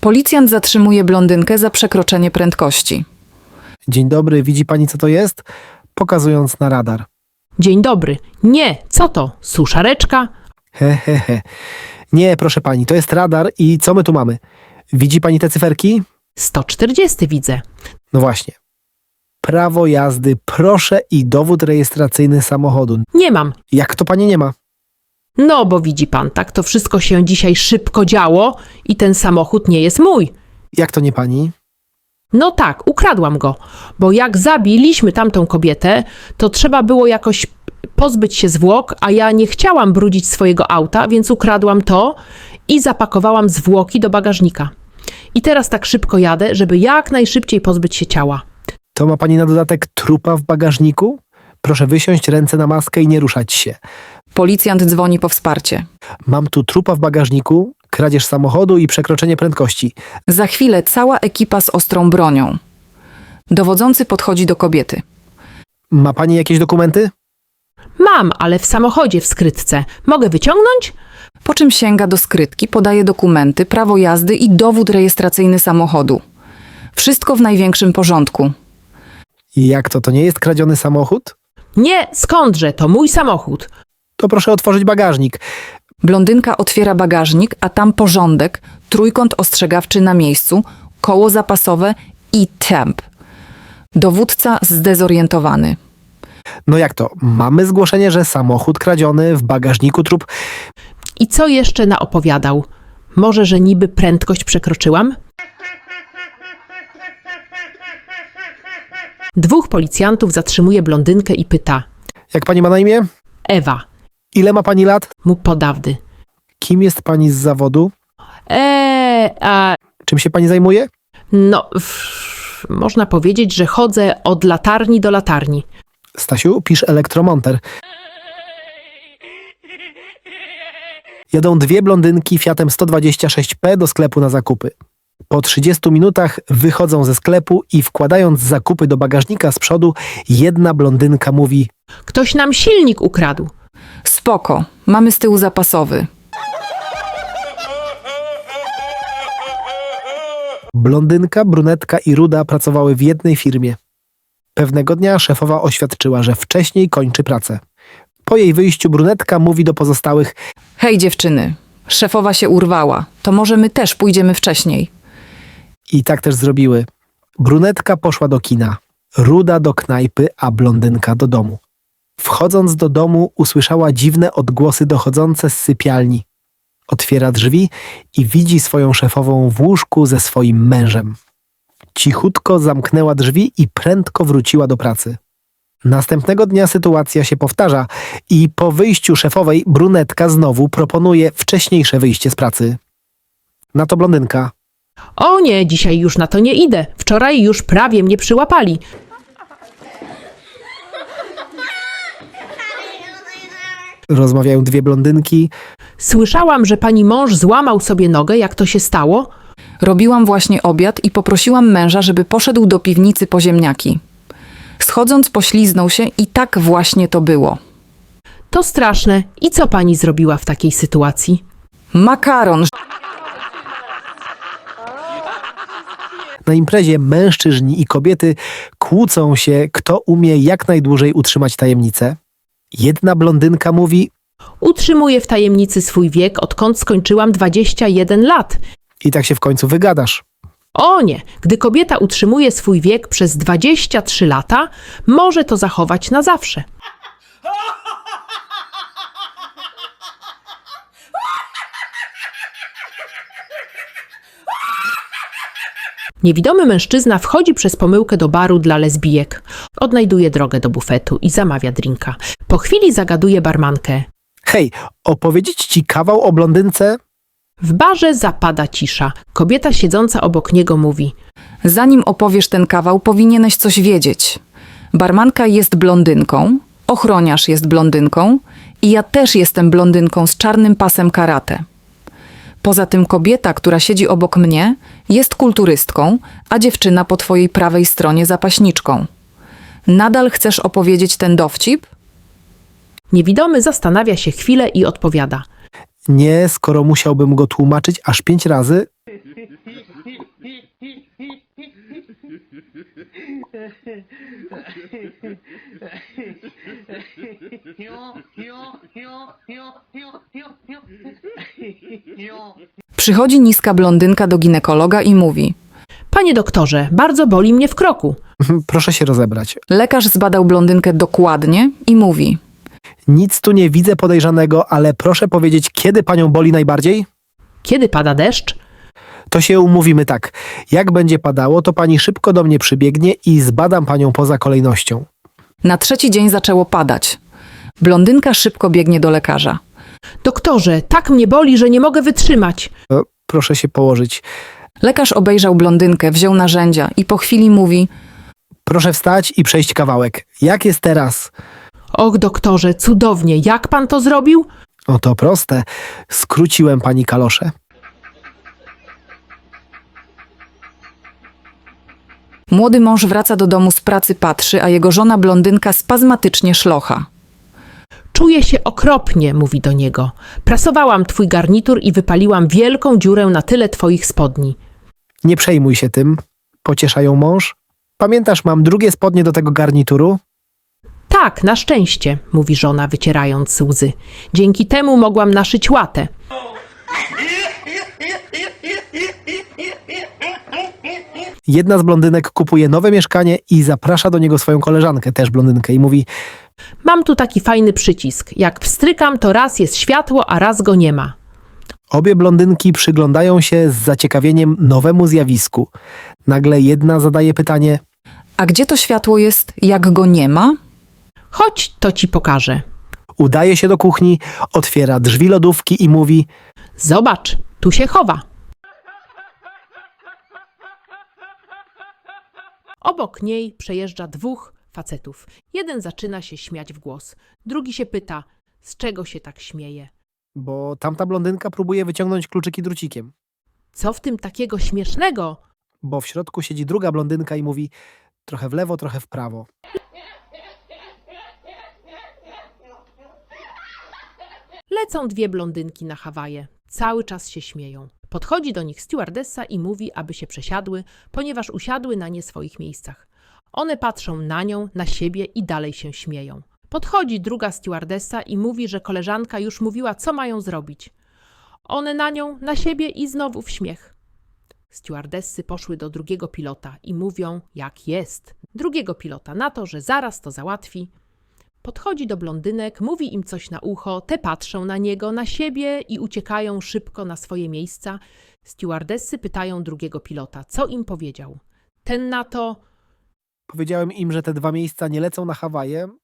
Policjant zatrzymuje blondynkę za przekroczenie prędkości. Dzień dobry, widzi pani co to jest? Pokazując na radar. Dzień dobry. Nie, co to? Suszareczka? He. Nie, proszę pani, to jest radar i co my tu mamy? Widzi pani te cyferki? 140 widzę. No właśnie. Prawo jazdy, proszę i dowód rejestracyjny samochodu. Nie mam. Jak to pani nie ma? No, bo widzi pan, tak to wszystko się dzisiaj szybko działo i ten samochód nie jest mój. Jak to nie pani? No tak, ukradłam go, bo jak zabiliśmy tamtą kobietę, to trzeba było jakoś pozbyć się zwłok, a ja nie chciałam brudzić swojego auta, więc ukradłam to i zapakowałam zwłoki do bagażnika. I teraz tak szybko jadę, żeby jak najszybciej pozbyć się ciała. To ma pani na dodatek trupa w bagażniku? Proszę wysiąść, ręce na maskę i nie ruszać się. Policjant dzwoni po wsparcie. Mam tu trupa w bagażniku, kradzież samochodu i przekroczenie prędkości. Za chwilę cała ekipa z ostrą bronią. Dowodzący podchodzi do kobiety. Ma pani jakieś dokumenty? Mam, ale w samochodzie w skrytce. Mogę wyciągnąć? Po czym sięga do skrytki, podaje dokumenty, prawo jazdy i dowód rejestracyjny samochodu. Wszystko w największym porządku. I jak to nie jest kradziony samochód? Nie, skądże, to mój samochód. To proszę otworzyć bagażnik. Blondynka otwiera bagażnik, a tam porządek, trójkąt ostrzegawczy na miejscu, koło zapasowe i temp. Dowódca zdezorientowany. No jak to? Mamy zgłoszenie, że samochód kradziony, w bagażniku trup. I co jeszcze naopowiadał? Może, że niby prędkość przekroczyłam? Dwóch policjantów zatrzymuje blondynkę i pyta. Jak pani ma na imię? Ewa, Ile ma pani lat? mu podawdy. Kim jest pani z zawodu? A Czym się pani zajmuje? no, można powiedzieć, że chodzę od latarni do latarni. Stasiu, pisz elektromonter. Jadą dwie blondynki Fiatem 126P do sklepu na zakupy. Po 30 minutach wychodzą ze sklepu i wkładając zakupy do bagażnika z przodu, jedna blondynka mówi: Ktoś nam silnik ukradł. Spoko, mamy z tyłu zapasowy. blondynka, brunetka i ruda pracowały w jednej firmie. Pewnego dnia szefowa oświadczyła, że wcześniej kończy pracę. Po jej wyjściu brunetka mówi do pozostałych: Hej dziewczyny, szefowa się urwała, to może my też pójdziemy wcześniej. I tak też zrobiły. Brunetka poszła do kina, ruda do knajpy, a blondynka do domu. Wchodząc do domu, usłyszała dziwne odgłosy dochodzące z sypialni. Otwiera drzwi i widzi swoją szefową w łóżku ze swoim mężem. Cichutko zamknęła drzwi i prędko wróciła do pracy. Następnego dnia sytuacja się powtarza i po wyjściu szefowej brunetka znowu proponuje wcześniejsze wyjście z pracy. Na to blondynka: O nie, dzisiaj już na to nie idę. Wczoraj już prawie mnie przyłapali. Rozmawiają dwie blondynki. Słyszałam, że pani mąż złamał sobie nogę. Jak to się stało? Robiłam właśnie obiad i poprosiłam męża, żeby poszedł do piwnicy po ziemniaki. Schodząc pośliznął się i tak właśnie to było. To straszne. I co pani zrobiła w takiej sytuacji? Makaron! Na imprezie mężczyźni i kobiety kłócą się, kto umie jak najdłużej utrzymać tajemnicę. Jedna blondynka mówi: Utrzymuję w tajemnicy swój wiek, odkąd skończyłam 21 lat. i tak się w końcu wygadasz. O nie, gdy kobieta utrzymuje swój wiek przez 23 lata, może to zachować na zawsze. Niewidomy mężczyzna wchodzi przez pomyłkę do baru dla lesbijek. Odnajduje drogę do bufetu i zamawia drinka. Po chwili zagaduje barmankę. Hej, opowiedzieć ci kawał o blondynce? W barze zapada cisza. Kobieta siedząca obok niego mówi. Zanim opowiesz ten kawał, powinieneś coś wiedzieć. Barmanka jest blondynką, ochroniarz jest blondynką i ja też jestem blondynką z czarnym pasem karate. Poza tym kobieta, która siedzi obok mnie, jest kulturystką, a dziewczyna po twojej prawej stronie zapaśniczką. Nadal chcesz opowiedzieć ten dowcip? Niewidomy zastanawia się chwilę i odpowiada. Nie, skoro musiałbym go tłumaczyć aż 5 razy. Przychodzi niska blondynka do ginekologa i mówi. Panie doktorze, bardzo boli mnie w kroku. Proszę się rozebrać. Lekarz zbadał blondynkę dokładnie i mówi. Nic tu nie widzę podejrzanego, ale proszę powiedzieć, kiedy panią boli najbardziej? Kiedy pada deszcz? To się umówimy tak. Jak będzie padało, to pani szybko do mnie przybiegnie i zbadam panią poza kolejnością. Na trzeci dzień zaczęło padać. Blondynka szybko biegnie do lekarza. Doktorze, tak mnie boli, że nie mogę wytrzymać. Proszę się położyć. Lekarz obejrzał blondynkę, wziął narzędzia i po chwili mówi. Proszę wstać i przejść kawałek. Jak jest teraz? Och, doktorze, cudownie. Jak pan to zrobił? O, to proste. Skróciłem pani kaloszę. Młody mąż wraca do domu z pracy, patrzy, a jego żona blondynka spazmatycznie szlocha. Czuję się okropnie, mówi do niego. Prasowałam twój garnitur i wypaliłam wielką dziurę na tyle twoich spodni. Nie przejmuj się tym. Pociesza ją mąż. Pamiętasz, mam drugie spodnie do tego garnituru? Tak, na szczęście, mówi żona, wycierając łzy. Dzięki temu mogłam naszyć łatę. Jedna z blondynek kupuje nowe mieszkanie i zaprasza do niego swoją koleżankę, też blondynkę, i mówi: Mam tu taki fajny przycisk. Jak wstrykam, to raz jest światło, a raz go nie ma. Obie blondynki przyglądają się z zaciekawieniem nowemu zjawisku. Nagle jedna zadaje pytanie: A gdzie to światło jest, jak go nie ma? Chodź, to ci pokażę. udaje się do kuchni, otwiera drzwi lodówki i mówi: Zobacz, tu się chowa. Obok niej przejeżdża dwóch facetów. Jeden zaczyna się śmiać w głos. Drugi się pyta, z czego się tak śmieje. bo tamta blondynka próbuje wyciągnąć kluczyki drucikiem. Co w tym takiego śmiesznego? Bo w środku siedzi druga blondynka i mówi: trochę w lewo, trochę w prawo. Lecą dwie blondynki na Hawaje. Cały czas się śmieją. Podchodzi do nich stewardessa i mówi, aby się przesiadły, ponieważ usiadły na nie swoich miejscach. One patrzą na nią, na siebie i dalej się śmieją. Podchodzi druga stewardessa i mówi, że koleżanka już mówiła, co mają zrobić. One na nią, na siebie i znowu w śmiech. Stewardessy poszły do drugiego pilota i mówią, jak jest. Drugiego pilota na to, że zaraz to załatwi. Podchodzi do blondynek, mówi im coś na ucho, te patrzą na niego, na siebie i uciekają szybko na swoje miejsca. Stewardessy pytają drugiego pilota, co im powiedział. Ten na to: Powiedziałem im, że te dwa miejsca nie lecą na Hawaje,